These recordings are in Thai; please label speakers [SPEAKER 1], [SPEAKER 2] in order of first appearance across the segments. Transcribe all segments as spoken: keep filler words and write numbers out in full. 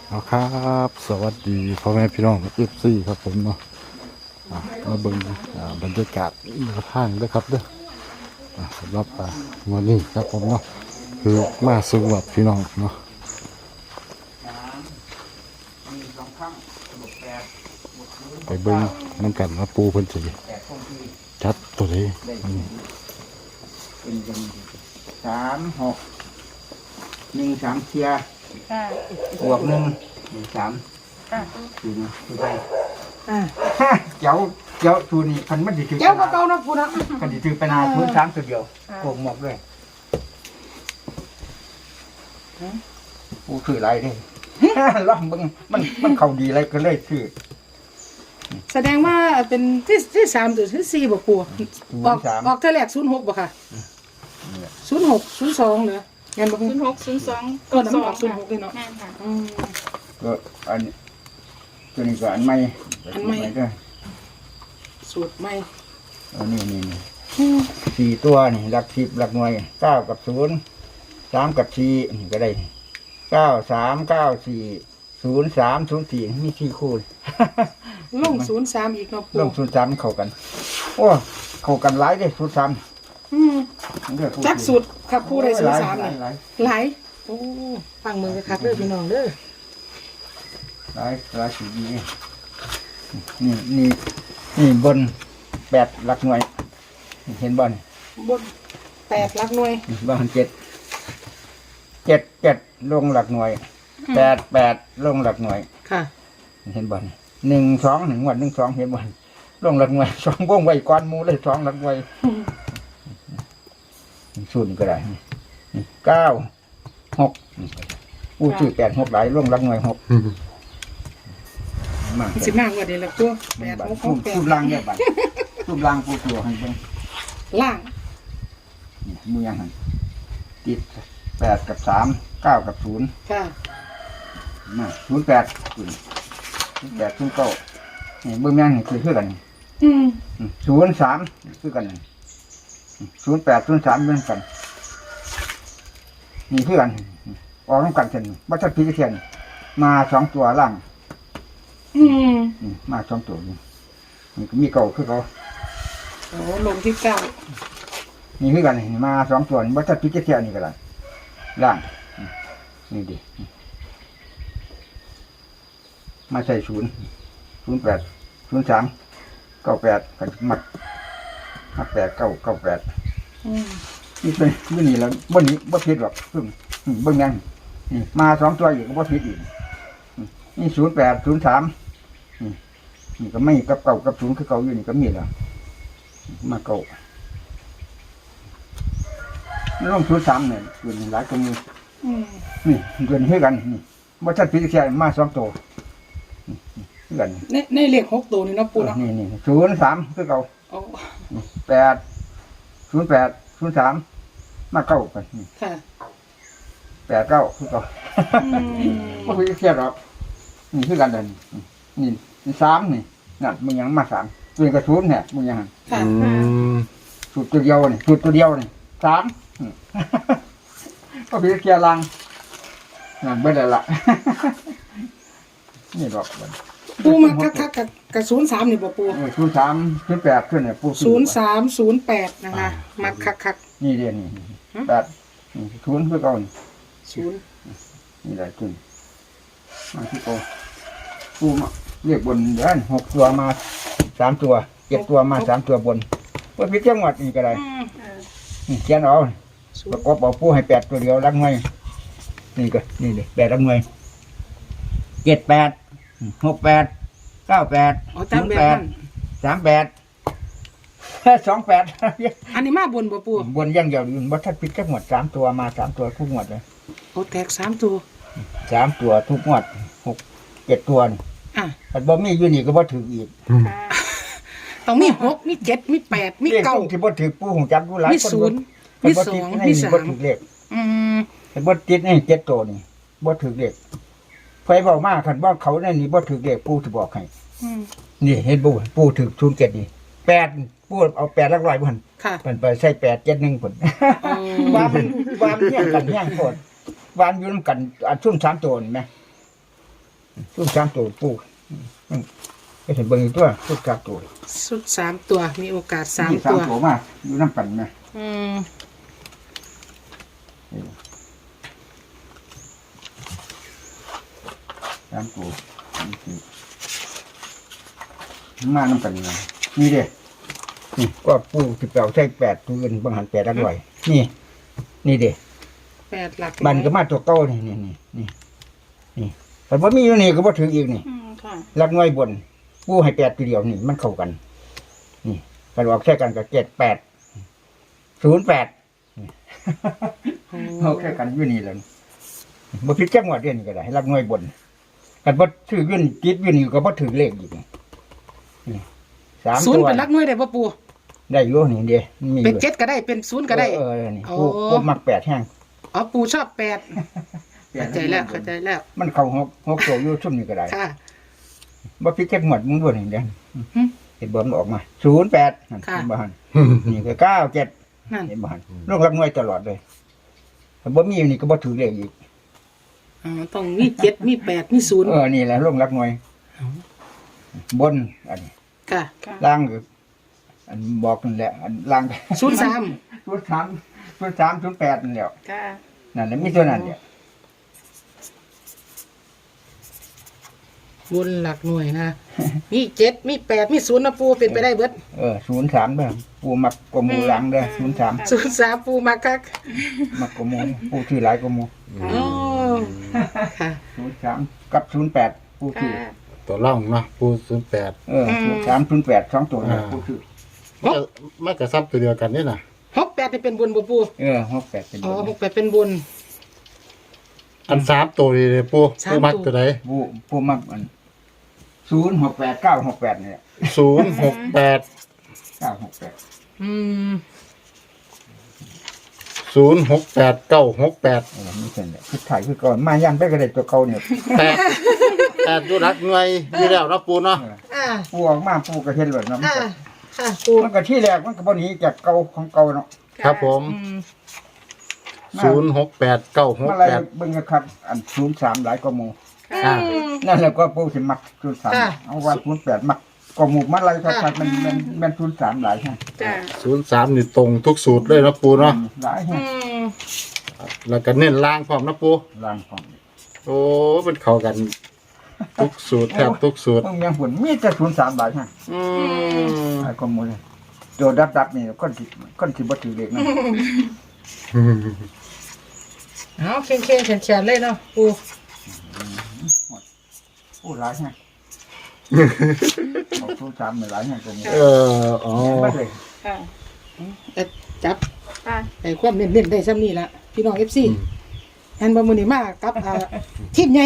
[SPEAKER 1] เอาครับสวัสดีพ่อแม่พี่น้องเอฟซีครับผมเนาะอ่ะมาเบิ่งอ่าบรรยากาศแนวทางด้วยครับเด้ออ่ะสำหรับอ่าวันนี้ครับผมเนาะคือมาสำหรับพี่น้องเนาะไปเบิ่งน้ำกันว่าปูเพิ่นสิจัดตัวนี้อืม
[SPEAKER 2] เป็นยังสามหกหนึ่งสามเชียร์
[SPEAKER 3] ค่ะ
[SPEAKER 2] บวกหนึ่งหนึ่งสาม
[SPEAKER 3] ค่ะ
[SPEAKER 2] สี่นะคือไป
[SPEAKER 3] อ่า
[SPEAKER 2] เจ้าเจ้าทูนี่พันมันจะถือ
[SPEAKER 3] เจ้าก็เก่านะพูดนะ
[SPEAKER 2] พันจะถือไปนาทุนสามตัวเดียวโกงหมกด้วยกูถืออะไรดิ ล่องมึงมันมันเข่าดีอะไรก็เลยถือ
[SPEAKER 3] แสดงว่าเป็นที่ที่สามหรือที่สี่บ่ปูออกออกเท่าแรกศูนย์หกบ่ค่ะศูนย์หกศูนย์สองเหรอเงินบ่
[SPEAKER 4] ศูนย์หกศูนย์สอง
[SPEAKER 3] ก็น้ำออกศูนย์หกเลยเนาะ
[SPEAKER 4] แม่นค่ะ
[SPEAKER 3] อืม
[SPEAKER 2] ก็อันตัวนี้ก็อันใหม่
[SPEAKER 3] อันใหม่
[SPEAKER 2] ด้วย
[SPEAKER 3] สูตรใหม่
[SPEAKER 2] อันนี้นี่นี่
[SPEAKER 3] อืม
[SPEAKER 2] สี่ตัวนี่หลักสิบหลักหน่วยเก้ากับศูนย์สามกับสี่นี่ก็ได้เก้าสามเก้าสี่ศูนย์สามศูนย์สี่มีสี่คู่
[SPEAKER 3] ลงศูนย์สามอีกเนาะปู
[SPEAKER 2] ลงศูนย์สามเข้ากัน โอ้เข้ากันหลายเด้ศูนย์สาม
[SPEAKER 3] อืมจักสูตรครับปูได้ศูนย์สามนี่
[SPEAKER 2] หลาย
[SPEAKER 3] หลายโอ้ฟังมือคักๆเด้อพี่น้องเด้อ
[SPEAKER 2] หลายหลายสีดีนี่นี่นี่บนแปดหลักหน่วย เห็นบ่นี่
[SPEAKER 3] บนแปดหลักหน่วย
[SPEAKER 2] บ้านเจ็ดเจ็ดเจ็ดลงหลักหน่วยแปดแปดลงหลักหน่วย
[SPEAKER 3] ค่ะ
[SPEAKER 2] เห็นบ่นหนึ่งสองหนึ่งวันหนึ่งสองเห็นบ่นลงหลักหน่วยสองวงไว้ก้อนหมูเลยสองหลักหน่วยศูนย์ก็ได้นี่เก้าหกอู้ชื่อแปดหกหลายลงหลักหน่วยหกมาก
[SPEAKER 3] สิบมากกว่าเดียวละตัวแปดหกห
[SPEAKER 2] สู
[SPEAKER 3] ก
[SPEAKER 2] บ
[SPEAKER 3] แปด
[SPEAKER 2] สูบล่างเนี่ยบัดสูบล่างปูตัวให้เบิ่ง
[SPEAKER 3] ล่าง
[SPEAKER 2] นี่มือยังหันติดแปดกับสามเก้ากับศูนย์
[SPEAKER 3] ค่ะ
[SPEAKER 2] มาศูนย์แปดศูนย์แปดศูนย์เก้านี่เบิ่งยังนี่คือคือกัน
[SPEAKER 3] อืม
[SPEAKER 2] ศูนย์สามคือกันศูนย์แปดศูนย์สามเหมือนกันนี่คือกันออกน้ำกันเช่นวัชพีเทียนมาสองตัวล่าง
[SPEAKER 3] อืม
[SPEAKER 2] นี่มาสองตัวนี่นี่ก็มีเก่าคือเขา
[SPEAKER 3] โอ้ลงที่เก้า
[SPEAKER 2] นี่คือกันนี่มาสองตัวนี่วัชพีเทียนนี่ก็ได้ล่างนี่ดิมาใส่ศูนย์ศูนย์แปดศูนย์สามเก้าแปดกันมัดมัดแปดเก้าเก้าแปด
[SPEAKER 3] อืม
[SPEAKER 2] นี่เป็นมื่อนี้แล้วบนนี้บ่ผิดหรอกซึ่งเบิ่งยังนี่มาสองตัวอีกก็บ่ผิดอีกนี่ศูนย์แปดศูนย์สามนี่นี่ก็ไม่กับเก่ากับศูนย์คือเก่าอยู่นี่ก็มีแล้วมาเก่าลงศูนย์สามเนี่ยเกินหลายตัวมือ
[SPEAKER 3] อืม
[SPEAKER 2] นี่เกินให้กันนี่บ่ชัดผิดแค่มาสองตัวนี่คือกัน
[SPEAKER 3] ในในเลขหกตัวนี่เนาะปูเนาะ
[SPEAKER 2] นี่นี่ศูนย์สามคือเก่า
[SPEAKER 3] โอ้
[SPEAKER 2] แปดศูนย์แปดศูนย์สามมาเก้ากันนี่
[SPEAKER 3] ค่ะ
[SPEAKER 2] แปดเก้าคือเก่า
[SPEAKER 3] อืม
[SPEAKER 2] ไม่คุยเครียดหรอกนี่คือกันเดินนี่นี่สามนี่นั่นมึงยังมาสามตัวนี้กระสุนเนี่ยมึงยัง
[SPEAKER 3] ค่ะ
[SPEAKER 1] อืม
[SPEAKER 2] สูตรตัวเดียวนี่สูตรตัวเดียวนี่สามอืม ก็คุยเครียดลังนั่นเบิดแล้วล่ะ นี่หรอก
[SPEAKER 3] ปูมาคักคักกับกับศูนย์สามนี่บ่ปู
[SPEAKER 2] เออศูนย์สามศูนย์แปดขึ้นเนี่ยปู
[SPEAKER 3] ศูนย์สามศูนย์แปดนะคะมาคักคัก
[SPEAKER 2] นี่เดียวนี่แปดนี่ศูนย์คือเก่านี่
[SPEAKER 3] ศูนย์
[SPEAKER 2] นี่แหละจุนมาที่โกปูมาเรียกบนเดือนหกตัวมาสามตัวเจ็ดตัวมาสามตัวบนว่าพิจังหวัดนี่ก็ได้
[SPEAKER 3] อืม
[SPEAKER 2] นี่เขียนเอา
[SPEAKER 3] ศู
[SPEAKER 2] ป
[SPEAKER 3] น
[SPEAKER 2] ระ
[SPEAKER 3] ย์
[SPEAKER 2] กอบเอาปูให้แปดตัวเดียวรักหน่วยนี่ก็นี่เลยแปดรักหน่วยเจ็ดแปดหกแปดเก้าแปด
[SPEAKER 3] อ๋อ
[SPEAKER 2] ศู
[SPEAKER 3] จำ
[SPEAKER 2] นย์
[SPEAKER 3] แบบ
[SPEAKER 2] แปด
[SPEAKER 3] นั้น
[SPEAKER 2] สามแปดสองแปด
[SPEAKER 3] อันนี้มาบนบ่ปู
[SPEAKER 2] บนอยังเดียวอยู่บัตรพิจังหวัดสามตัวมาสามตัวทุกหมวดเลย
[SPEAKER 3] โอ้แตกสามตัว
[SPEAKER 2] สามตัวทุกงวดหกเจ็ดตัวนี่
[SPEAKER 3] อ่ะ
[SPEAKER 2] แต่บ่มีอยู่นี่ก็บ่ถืออีก
[SPEAKER 3] ต้องมีหกมีเจ็ดมีแปดมี
[SPEAKER 2] เลข
[SPEAKER 3] เก้า
[SPEAKER 2] ตรงที่บ่ถือปู่ของจักผู้หลาย
[SPEAKER 3] มี
[SPEAKER 2] คน
[SPEAKER 3] ศูนย์
[SPEAKER 2] เพิ่
[SPEAKER 3] มี
[SPEAKER 2] บ่
[SPEAKER 3] ส
[SPEAKER 2] ติ
[SPEAKER 3] อ
[SPEAKER 2] ด
[SPEAKER 3] ง
[SPEAKER 2] ใน
[SPEAKER 3] มี
[SPEAKER 2] นี่
[SPEAKER 3] สา
[SPEAKER 2] บ่
[SPEAKER 3] ม
[SPEAKER 2] ถือเลข
[SPEAKER 3] อืม
[SPEAKER 2] เห็นบ่ติดในเจ็ดตัวนี่บ่ถือเลขไฟเบามาคันบ่เขาในนี่บ่ถือเลขปู่สิบอกให้
[SPEAKER 3] อืม
[SPEAKER 2] นี่เห็นบ่ปู่ถือศูนย์เจ็ดนี่แปดปู่เอาแปดหลักร้อยบ่หั่น
[SPEAKER 3] ค่ะ
[SPEAKER 2] เพิ่นไปใส่แปดเจ็ดหนึ่งพุ่น
[SPEAKER 3] อืม
[SPEAKER 2] ว่ามันว่ามันเฮียงกันเฮียงโพดว่ามันอยู่นํกันอันซุ่มสามตัวนี่แหมชุดสามตัวปูมันก็เห็นเบิ่งอีกตัวชุดสามตัว
[SPEAKER 3] สุดสามตัวมีโอกาสสาม
[SPEAKER 2] มีสา
[SPEAKER 3] ตั
[SPEAKER 2] ม
[SPEAKER 3] ว
[SPEAKER 2] ตัวมากอยู่น้ำกันนะ
[SPEAKER 3] อืม
[SPEAKER 2] สามตัวมาน้ำกันนะนี่เด้นี่ก็ปูสิบแปดใช่แปดตัวเงินบางหันแปดอร่อยนี่ นี่เด้
[SPEAKER 3] แปดหลัก
[SPEAKER 2] บันก็มาตัวเก้านี่นี่นี่นี่นี่แต่ว่ามีอยู่นี่ก็บ่ถึงอีกนี่
[SPEAKER 3] อืมค่ะ
[SPEAKER 2] รักน้อยบนปูให้แปดตัวเดียวนี่มันเข้ากัน นี่กันออกใช่กันกับเจ็ดแปดศูนย์แปดเอาแค่กันอยู่นี่แหละบ่ผิดจังหวัดเดียวนี่ก็ได้รักน้อยบนกันบ่ถือยื่นจิตยื่นนี่ก็บ่ถือเลขอีกนี่นี่สาม
[SPEAKER 3] ศูน
[SPEAKER 2] ตั
[SPEAKER 3] ย์
[SPEAKER 2] ว
[SPEAKER 3] เป็นหลักหน่วยได้ป่ะปู
[SPEAKER 2] ได้อยู่นี่เดียวมี
[SPEAKER 3] เป็น
[SPEAKER 2] อยู่
[SPEAKER 3] เจ็ดก็ได้เป็นศูนย์ก็ได้
[SPEAKER 2] เออเออนี่
[SPEAKER 3] โอ้
[SPEAKER 2] ปูปูมักแปดแห้ง
[SPEAKER 3] อ๋อปูชอบแปดเข้าใจแล้วเข้าใจแล้ว
[SPEAKER 2] มันเข้าหกหกตัวอยู่ซุ่มนี่ก็ได้
[SPEAKER 3] ค่ะ
[SPEAKER 2] บ่ผิดจังหวัดมึงด้วยนี่เด้อ
[SPEAKER 3] หึ
[SPEAKER 2] เห็นบ่มันออกมาศูนย์แปด
[SPEAKER 3] ค่ะ
[SPEAKER 2] เห็นบ่หันนี่ก็เก้าเจ็ด
[SPEAKER 3] นั่น
[SPEAKER 2] เห็นบ่หันลงรักน้อยตลอดเลยถ้าบ่มีนี่ก็บ่ถือเลขอีก
[SPEAKER 3] อ๋อต้องมีเจ็ดมีแปดมีศูนย์
[SPEAKER 2] เออนี่แหละลงรักน้อยบนอันนี้
[SPEAKER 3] ค่ะ
[SPEAKER 2] ล่างก็อันบอกนั่นแหละอันล่าง
[SPEAKER 3] ศูนย์สาม
[SPEAKER 2] ศูนย์สามศูนย์สามศูนย์แปดนั่นแหละ
[SPEAKER 3] ค่ะ
[SPEAKER 2] นั่นแหละมีตัวนั้นเนี่ย
[SPEAKER 3] บนหลักหน่วยนะ มีเจ็ดมีแปดมีศูนย์นะปูเป็นไปได้เบิด
[SPEAKER 2] เออศูนย์สามเด้อปูมักกว่าหมู่หลังเด้อศูนย์สาม
[SPEAKER 3] ศูนย์สามปูมาคัก
[SPEAKER 2] มักกว่าหมู่ปูชื่อหลายกว่าหมู่
[SPEAKER 3] อ๋อค่ะ
[SPEAKER 2] ศูนย์สามกับศูนย์แปดปูชื่อ
[SPEAKER 1] ตัวล่องเนาะปูศูนย์แปด
[SPEAKER 2] เออศูนย์สามศูนย์แปดสองตัวเนี่ยปูชื่อ
[SPEAKER 1] มันก็มันก็ซ้ำตัวเดียวกันนี่น่ะ
[SPEAKER 3] หกแปดนี่เป็นบนบ่ปู
[SPEAKER 2] เออหกแปดเป็น
[SPEAKER 3] อ๋อ
[SPEAKER 2] ตัว
[SPEAKER 3] หกแปดเป็นบน
[SPEAKER 1] อันสามตัวนี่เลยปู
[SPEAKER 3] สาม
[SPEAKER 1] ปูมัก
[SPEAKER 3] ตัว
[SPEAKER 1] ตัวใด
[SPEAKER 2] ปูปูมักมันศูนย์หกแปดเก้าหกแปดเนี่ย
[SPEAKER 1] ศูนย์หกแปด
[SPEAKER 2] เก้าหกแปด
[SPEAKER 3] อืม
[SPEAKER 1] ศูนย์หกแปดเก้าหกแปด
[SPEAKER 2] เออไม่ใช่เนี่ยคือถ่ายคือก่อนมายันไปกระเด็นตัวเก่าเนี่ย
[SPEAKER 1] แปดแปดตัวรักหน่วยอยู่แล้วเนาะปูเนาะ
[SPEAKER 3] อ่า
[SPEAKER 2] ปูออกมาปูกระเทียนหล่นเนาะมัน
[SPEAKER 3] อ่า
[SPEAKER 2] ก็
[SPEAKER 3] ค่ะปู
[SPEAKER 2] มันก็ที่แรกมันก็บ่หนีจากเก่าของเก่าเนาะ
[SPEAKER 1] ครับผม
[SPEAKER 3] อืม
[SPEAKER 1] ศูนย์หกแปดเก้าหก
[SPEAKER 2] มาอะไร
[SPEAKER 1] แปด
[SPEAKER 2] เบิ่งกันครับ อันศูนย์สามหลายกว่าหมู่
[SPEAKER 1] อ่า
[SPEAKER 2] นั่นแหละก็ปูสิมักศูนย์สามเอาว่าศูนย์แปดมักกว่าหมู่มาอะไรครับมันมันมันศูนย์สามหลายใช่
[SPEAKER 3] จ้า
[SPEAKER 1] ศูนย์สามนี่ตรงทุกสูตรเลยเนาะปูเนาะ
[SPEAKER 2] หลาย
[SPEAKER 3] อื
[SPEAKER 2] แฮะ
[SPEAKER 3] ม
[SPEAKER 1] แล้วก็เน้นล่างพร้อมเนาะปู
[SPEAKER 2] ล่างของ
[SPEAKER 1] โอ้เป็นเข้ากันทุกสูตรแทบทุกสูตร
[SPEAKER 2] ต้องยังผลมีแต่ศูนย์สามหลายฮะ
[SPEAKER 1] อืม
[SPEAKER 2] หลายกว่าหมู่เลยตัวดับดับนี่คนสิคนสิบ่ถือเลขนะ
[SPEAKER 3] เอาเข่งเข่งๆแฉนๆเลยเนาะปู
[SPEAKER 2] โอ้หลายฮะเอาศูนย์สามหลายฮะกว่าหมู่
[SPEAKER 1] เอออ๋อ
[SPEAKER 2] บ่เลย
[SPEAKER 3] ค่ะเอ็ดจับไอ้ความเน้นๆได้ซ้ำนี่ละพี่น้องเอฟซีแอนบอมือนี่มากกับอ่าทีมใหญ่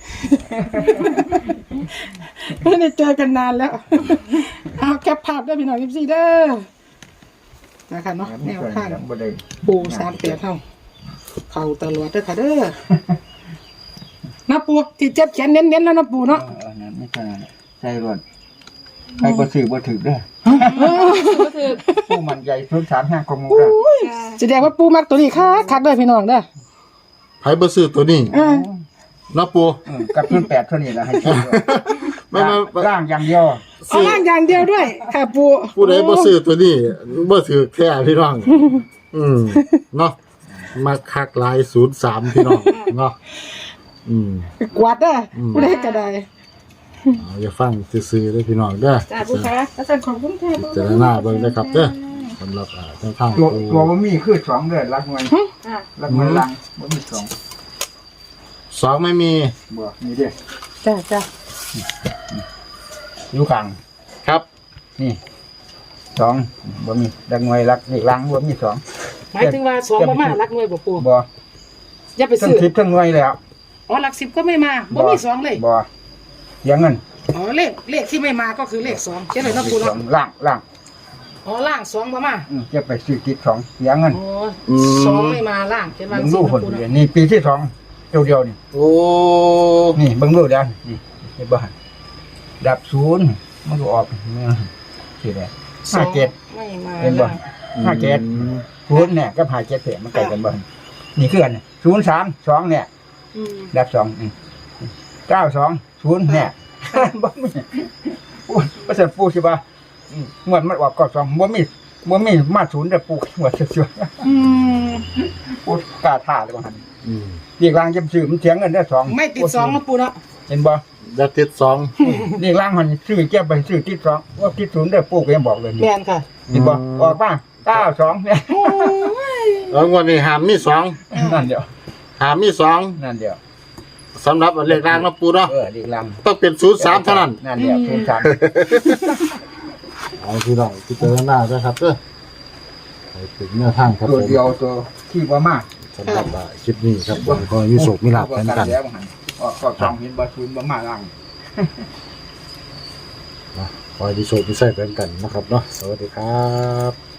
[SPEAKER 3] ไม่ได้เจอกันนานแล้ว เอาแคปภาพได้พี่น้องเอฟซีเด้อนะคะเนาะแนวทาง
[SPEAKER 2] บ่ได้
[SPEAKER 3] ปูสามแปดเท่าเข่าตลอดเด้อค่ะเด้อนะปูที่เจ็บแขนเน้นๆแล้วนะปูเนาะ
[SPEAKER 2] เออนั่นไม่ใช่นั่นใช่รวนใครบ่ซื้อบ่ถือเด้อผู้มันใหญ่ศูนย์สามห้ากว่าหมู่เด้อ
[SPEAKER 3] แสดงว่าปูมักตัวนี้ค่ะคักเด้อพี่น้องเด้อ
[SPEAKER 1] ไผบ่ซื้อตัวนี้
[SPEAKER 3] อ่า
[SPEAKER 1] เนาะปู
[SPEAKER 2] เออกับศูนย์แปดเท่านี้ล่ะให้ซื้อ
[SPEAKER 1] ไม่ไม่ไม่
[SPEAKER 2] ร่างอย่างเดียว
[SPEAKER 3] เอาล่างอย่างเดียวด้วย ค่ะปู
[SPEAKER 1] ผู้ใดบ่ซื้อตัวนี้บ่ถือแท้พี่น้อง อืมเนาะมาคักหลายศูนย์สามพี่น้องเนาะอืม
[SPEAKER 3] กวาดเด้ออ
[SPEAKER 1] ม
[SPEAKER 3] ผู้ใดก็ได้
[SPEAKER 1] เอาอย่าฟังซื่อๆเด้อพี่น้องเด้อ
[SPEAKER 3] จ้าปูคะอาจารย์ขอบคุณค่ะ
[SPEAKER 1] เจรนาเบิ่งนะครับเด้อสำหรับอ่าทางทาง
[SPEAKER 2] ตัว
[SPEAKER 1] ปู
[SPEAKER 2] ตัวบ่มีคือสองเด้อรักหน่วยรักหน่วยลังบ่มีสอง
[SPEAKER 1] สองไม่มี
[SPEAKER 2] บ่นี่เด้อ
[SPEAKER 3] จ้าจ้า
[SPEAKER 2] อยู่ข้าง
[SPEAKER 1] ครับ
[SPEAKER 2] นี่สองบ่มีรักหน่วยรักนี่ลังบ่มีสอง
[SPEAKER 3] หมายถึงว่าสองบ่มารักหน่วยบ่ปู
[SPEAKER 2] บ่
[SPEAKER 3] อย่าไป
[SPEAKER 2] ทั้ง
[SPEAKER 3] ซื้อ
[SPEAKER 2] สิบทั้งหน่วยแล้ว
[SPEAKER 3] อ๋อหลักสิบก็ไม่มาบ่มีสองเลย
[SPEAKER 2] บ่เสียเงิน
[SPEAKER 3] อ๋อเลขเลขที่ไม่มาก็คือเลขสองเช่นเลยนะปู
[SPEAKER 2] ส
[SPEAKER 3] เนาะ
[SPEAKER 2] องล่างล่าง
[SPEAKER 3] อ๋อล่างสองบ่มา
[SPEAKER 2] อืมจะไปซื้อติดสองเสียเงิน
[SPEAKER 3] อ๋อสองไม่มาล่างเช่นว่า
[SPEAKER 2] เบิ่ง
[SPEAKER 3] สิ
[SPEAKER 2] ดู
[SPEAKER 3] นะ
[SPEAKER 2] คน
[SPEAKER 3] ปู
[SPEAKER 2] เดียว
[SPEAKER 3] เนาะ
[SPEAKER 2] นี่ปีที่สองตัวเดียวนี่
[SPEAKER 1] โอ้
[SPEAKER 2] นี่เบิ่งดูแล้วนี่เห็นบ่ดับศูนย์มันก็ออกเนี่ยสิได้ห้าเจ็ด
[SPEAKER 3] ไม่มา
[SPEAKER 2] เห็นบ่
[SPEAKER 3] ล่าง
[SPEAKER 2] ห้าเจ็ด ศูนย์เนี่ยก็ห้าเจ็ดเพียมันใกล้กันบ่นี่คือกันศูนย์สามสองเนี่ย
[SPEAKER 3] อืม
[SPEAKER 2] ดับสองอืมเก้าสองศูนย์เนี่ยบ่มีปูประเสริฐปูสิบ่าอืมงวดมันออกเก้าสองบ่มีบ่มีมาศูนย์แต่ปูงวดเชื่อ
[SPEAKER 3] อืม
[SPEAKER 2] ๆปูกล้าท่าเลยว่าหั่น
[SPEAKER 1] อืม
[SPEAKER 2] เรียกลางจำซื้อมันเสียเงินได้สอง
[SPEAKER 3] ไม่ติดสองนะปูเนาะ
[SPEAKER 2] เห็นบ่
[SPEAKER 1] ยาติดสอง
[SPEAKER 2] เรียกลางมันซื้อแก้ไปซื้อติดสองว่าติดศูนย์ได้ปูก็ยังบอกเลย
[SPEAKER 3] แม่นค่ะ
[SPEAKER 2] เห็นบ่ออกบ้างเก้าสองเนี่ย
[SPEAKER 3] โอ้ย
[SPEAKER 1] แล้วงวันนี้หามมีสอง
[SPEAKER 2] นั่นเดียว
[SPEAKER 1] หามมีสอง
[SPEAKER 2] นั่นเดียว
[SPEAKER 1] สำหรับเลขล่างเนาะปูเนาะ
[SPEAKER 2] เออเรียกลาง
[SPEAKER 1] ต้องเป็นศูนย์สามเท่านั้น
[SPEAKER 2] นั่นเดียวศูนย์สาม
[SPEAKER 1] เอาพี่น้องพิจารณาด้วยครับเด้อไปถึงแนวทางครับ
[SPEAKER 2] ตัว
[SPEAKER 1] ผม
[SPEAKER 2] เดียวตัวที่ว่ามาก
[SPEAKER 1] สำหรับคลิปนี้ครับผมก็มีโศกมีหลับกันกัน
[SPEAKER 2] แล้วหันออกก็สองเห็นบ่ศูนย์บ่มาล่าง
[SPEAKER 1] นะคอยมีโศกมีใส่กันกันนะครับเนาะสวัสดีครับ